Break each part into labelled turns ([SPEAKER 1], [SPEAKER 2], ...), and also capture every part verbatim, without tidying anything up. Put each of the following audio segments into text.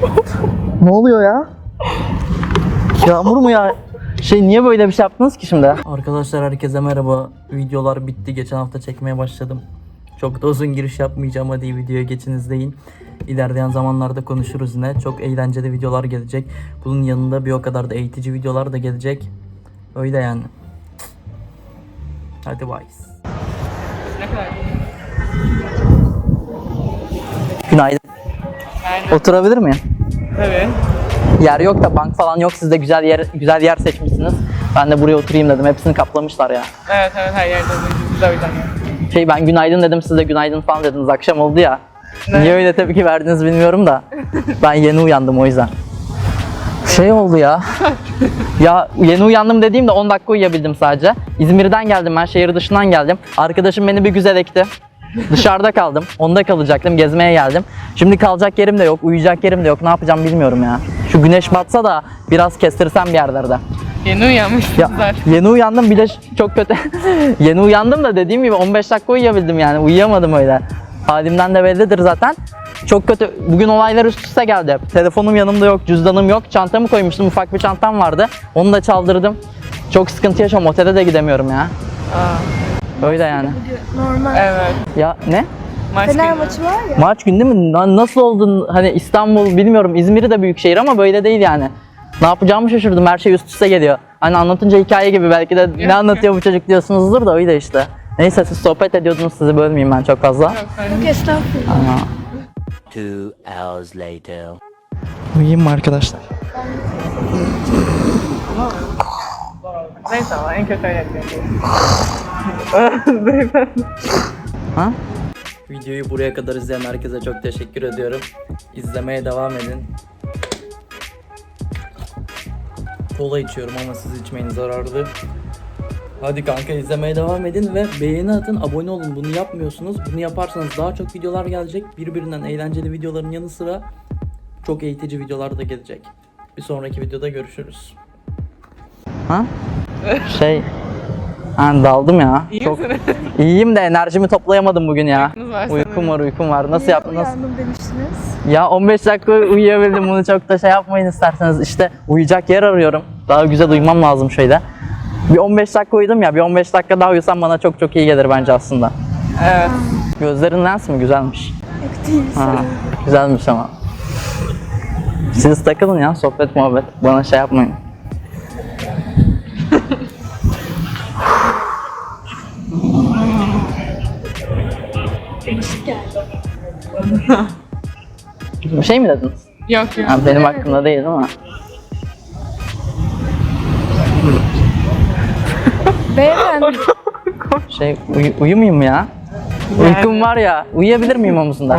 [SPEAKER 1] Ne oluyor ya? Yağmur mu ya? Şey niye böyle bir şey yaptınız ki şimdi? Arkadaşlar herkese merhaba. Videolar bitti. Geçen hafta çekmeye başladım. Çok da uzun giriş yapmayacağım. Hadi videoya geçin izleyin. İlerleyen zamanlarda konuşuruz yine. Çok eğlenceli videolar gelecek. Bunun yanında bir o kadar da eğitici videolar da gelecek. Öyle yani. Hadi bye.
[SPEAKER 2] Ne kadar?
[SPEAKER 1] Günaydın.
[SPEAKER 2] Aynen.
[SPEAKER 1] Oturabilir miyim?
[SPEAKER 2] Tabii.
[SPEAKER 1] Yer yok da bank falan yok. Siz de güzel yer güzel yer seçmişsiniz. Ben de buraya oturayım dedim. Hepsini kaplamışlar ya.
[SPEAKER 2] Evet evet her yerde biz o yüzden yani.
[SPEAKER 1] Şey ben günaydın dedim. Siz de günaydın falan dediniz. Akşam oldu ya.
[SPEAKER 2] Ne?
[SPEAKER 1] Niye öyle tepki verdiniz bilmiyorum da. Ben yeni uyandım o yüzden. Şey oldu ya. Ya yeni uyandım dediğimde on dakika uyuyabildim sadece. İzmir'den geldim ben. Şehir dışından geldim. Arkadaşım beni bir güzel ekti. Dışarıda kaldım. Onda kalacaktım. Gezmeye geldim. Şimdi kalacak yerim de yok. Uyuyacak yerim de yok. Ne yapacağım bilmiyorum ya. Şu güneş batsa da biraz kestirsem bir yerlerde.
[SPEAKER 2] Yeni uyanmışsınız
[SPEAKER 1] Ya,
[SPEAKER 2] zaten.
[SPEAKER 1] yeni uyandım bir de çok kötü. Yeni uyandım da dediğim gibi on beş dakika uyuyabildim yani. Uyuyamadım öyle. Halimden de bellidir zaten. Çok kötü. Bugün olaylar üst üste geldi. Telefonum yanımda yok, cüzdanım yok. Çantamı koymuştum. Ufak bir çantam vardı. Onu da çaldırdım. Çok sıkıntı yaşıyorum. Otele de gidemiyorum ya.
[SPEAKER 2] Aa,
[SPEAKER 1] Öyle yani.
[SPEAKER 3] Normal.
[SPEAKER 2] evet.
[SPEAKER 1] Ya ne?
[SPEAKER 2] Maç
[SPEAKER 3] Fener
[SPEAKER 2] günü.
[SPEAKER 3] maçı var ya.
[SPEAKER 1] Maç günü değil mi? Lan nasıl oldun? Hani İstanbul bilmiyorum. İzmir'i de büyük şehir ama böyle değil yani. Ne yapacağımı şaşırdım. Her şey üst üste geliyor. Hani anlatınca hikaye gibi belki de ne anlatıyor bu çocuk diyorsunuzdur da öyle işte. Neyse siz sohbet ediyordunuz. Sizi bölmeyeyim ben çok fazla.
[SPEAKER 2] Yok, sen-
[SPEAKER 3] Yok estağfurullah.
[SPEAKER 1] Ama...
[SPEAKER 4] Two hours later.
[SPEAKER 1] Uyuyayım mı arkadaşlar?
[SPEAKER 2] Neyse ama en kötü öyle yapıyorum.
[SPEAKER 1] Ha? Videoyu buraya kadar izleyen herkese çok teşekkür ediyorum. İzlemeye devam edin. Kola içiyorum ama siz içmeyin, zararlı. Hadi kanka izlemeye devam edin ve beğeni atın, abone olun. Bunu yapmıyorsunuz. Bunu yaparsanız daha çok videolar gelecek. Birbirinden eğlenceli videoların yanı sıra çok eğitici videolar da gelecek. Bir sonraki videoda görüşürüz. Ha? Şey... Ben daldım ya.
[SPEAKER 2] İyi
[SPEAKER 1] Çok
[SPEAKER 2] misiniz?
[SPEAKER 1] iyiyim de enerjimi toplayamadım bugün ya.
[SPEAKER 2] Uykunuz var
[SPEAKER 1] Uykum
[SPEAKER 2] sanırım.
[SPEAKER 1] var, uykum var. Nasıl
[SPEAKER 3] Niye
[SPEAKER 1] yaptın? Nasıl?
[SPEAKER 3] uyandım demiştiniz.
[SPEAKER 1] Ya on beş dakika uyuyabildim. Bunu çok da şey yapmayın isterseniz. İşte uyuyacak yer arıyorum. Daha güzel uyumam lazım şöyle. Bir on beş dakika uyudum ya. Bir on beş dakika daha uyusam bana çok çok iyi gelir bence aslında.
[SPEAKER 2] Evet.
[SPEAKER 1] Gözlerin lens mi? Güzelmiş.
[SPEAKER 3] Yok değil.
[SPEAKER 1] Ha, güzelmiş ama. Siz takılın ya, sohbet muhabbet. Bana şey yapmayın.
[SPEAKER 3] Değişik geldi.
[SPEAKER 1] Bir şey mi dediniz?
[SPEAKER 2] Yok yok.
[SPEAKER 1] Ha, benim hakkımda değil ama.
[SPEAKER 3] Beyefendi.
[SPEAKER 1] Şey uy- uyumayayım mı ya? Uykum var ya. Uyuyabilir miyim omuzunda?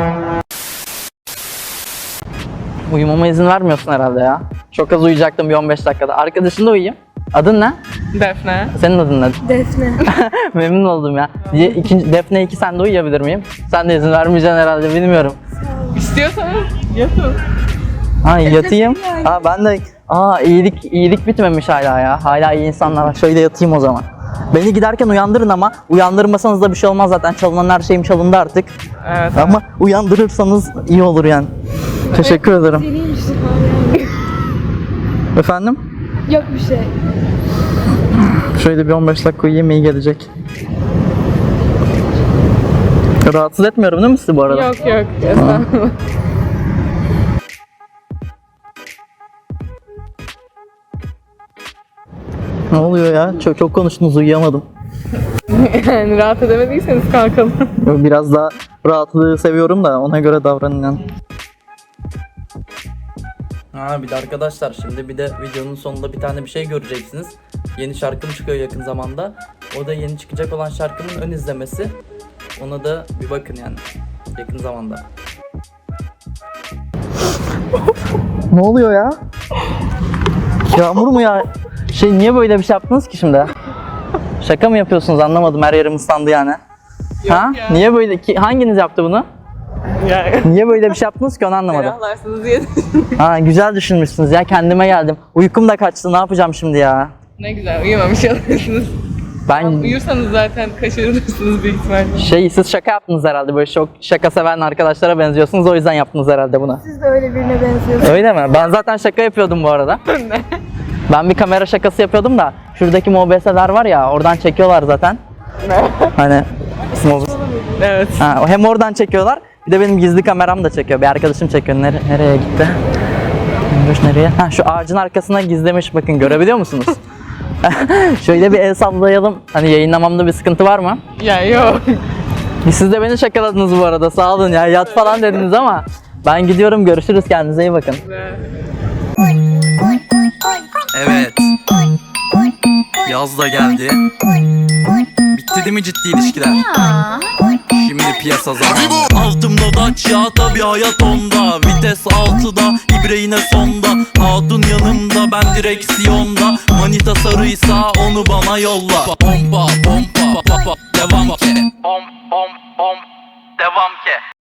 [SPEAKER 1] Uyumama izin vermiyorsun herhalde ya. Çok az uyuyacaktım bir on beş dakikada. Arkadaşınla uyuyayım. Adın ne?
[SPEAKER 2] Defne.
[SPEAKER 1] Senin adın ne?
[SPEAKER 3] Defne.
[SPEAKER 1] Memnun oldum ya. Diye ikinci, Defne iki sen de uyuyabilir miyim? Sen de izin vermeyeceksin herhalde bilmiyorum.
[SPEAKER 2] İstiyorsanız yatın.
[SPEAKER 1] Ha yatayım.
[SPEAKER 3] yani.
[SPEAKER 1] Ha ben de aa iyilik iyilik bitmemiş hala ya. Hala iyi insanlar var. Şöyle yatayım o zaman. Beni giderken uyandırın ama uyandırmasanız da bir şey olmaz zaten. Çalınan her şeyim çalındı artık.
[SPEAKER 2] Evet.
[SPEAKER 1] Ama uyandırırsanız iyi olur yani. Teşekkür ederim.
[SPEAKER 3] Deliymiş falan.
[SPEAKER 1] Efendim?
[SPEAKER 3] Yok bir şey.
[SPEAKER 1] Şöyle bir on beş dakika uyuyayım iyi gelecek. Rahatsız etmiyorum değil mi sizi bu arada?
[SPEAKER 2] Yok yok. Estağfurullah.
[SPEAKER 1] Ne oluyor ya? Çok, çok konuştunuz uyuyamadım.
[SPEAKER 2] Yani rahat edemediyseniz kalkalım.
[SPEAKER 1] Biraz daha rahatlığı seviyorum da ona göre davranın yani. Ha bir de arkadaşlar şimdi bir de videonun sonunda bir tane bir şey göreceksiniz. Yeni şarkım çıkıyor yakın zamanda. O da yeni çıkacak olan şarkımın ön izlemesi. Ona da bir bakın yani yakın zamanda. Ne oluyor ya? Yağmur mu ya? Şey niye böyle bir şey yaptınız ki şimdi? Şaka mı yapıyorsunuz anlamadım, her yerim ıslandı yani. Ha?
[SPEAKER 2] ya.
[SPEAKER 1] Niye böyle ki hanginiz yaptı bunu?
[SPEAKER 2] Yani.
[SPEAKER 1] Niye böyle bir şey yaptınız ki onu anlamadım.
[SPEAKER 2] Ferahlarsınız diye.
[SPEAKER 1] Ha güzel düşünmüşsünüz ya, kendime geldim. Uykum da kaçtı, ne yapacağım şimdi ya?
[SPEAKER 2] Ne güzel uyumamış oluyorsunuz.
[SPEAKER 1] Ben
[SPEAKER 2] Uyursanız zaten kaçırırsınız büyük ihtimalle.
[SPEAKER 1] şey siz şaka yaptınız herhalde, böyle çok şaka seven arkadaşlara benziyorsunuz, o yüzden yaptınız herhalde bunu.
[SPEAKER 3] Siz de öyle birine benziyorsunuz.
[SPEAKER 1] Öyle mi? Ben zaten şaka yapıyordum bu arada. Ben bir kamera şakası yapıyordum da şuradaki M O B S'ler var ya, oradan çekiyorlar zaten. Hani M O B S.
[SPEAKER 2] Evet.
[SPEAKER 1] Ha, hem oradan çekiyorlar, bir de benim gizli kameram da çekiyor. Bir arkadaşım çekiyor. Nere- nereye gitti? Bilmiyorum nereye? Ha, şu ağacın arkasına gizlemiş, bakın görebiliyor musunuz? Şöyle bir el sallayalım. Hani yayınlamamda bir sıkıntı var mı?
[SPEAKER 2] Ya yok.
[SPEAKER 1] Siz de beni şakaladınız bu arada, sağ olun ya, yat falan dediniz ama ben gidiyorum, görüşürüz, kendinize iyi bakın. Evet. Yaz da geldi. Bitti değil mi ciddi ilişkiler? Şimdi piyasa zamanı. Altımda Dacia, tabi hayat onda. Vites altıda, ibre yine sonda. Hatun yanımda, ben direksiyonda. Manita sarıysa onu bana yolla. Pompa pompa pa, pa, devam ke. Pom pom pom devam ke.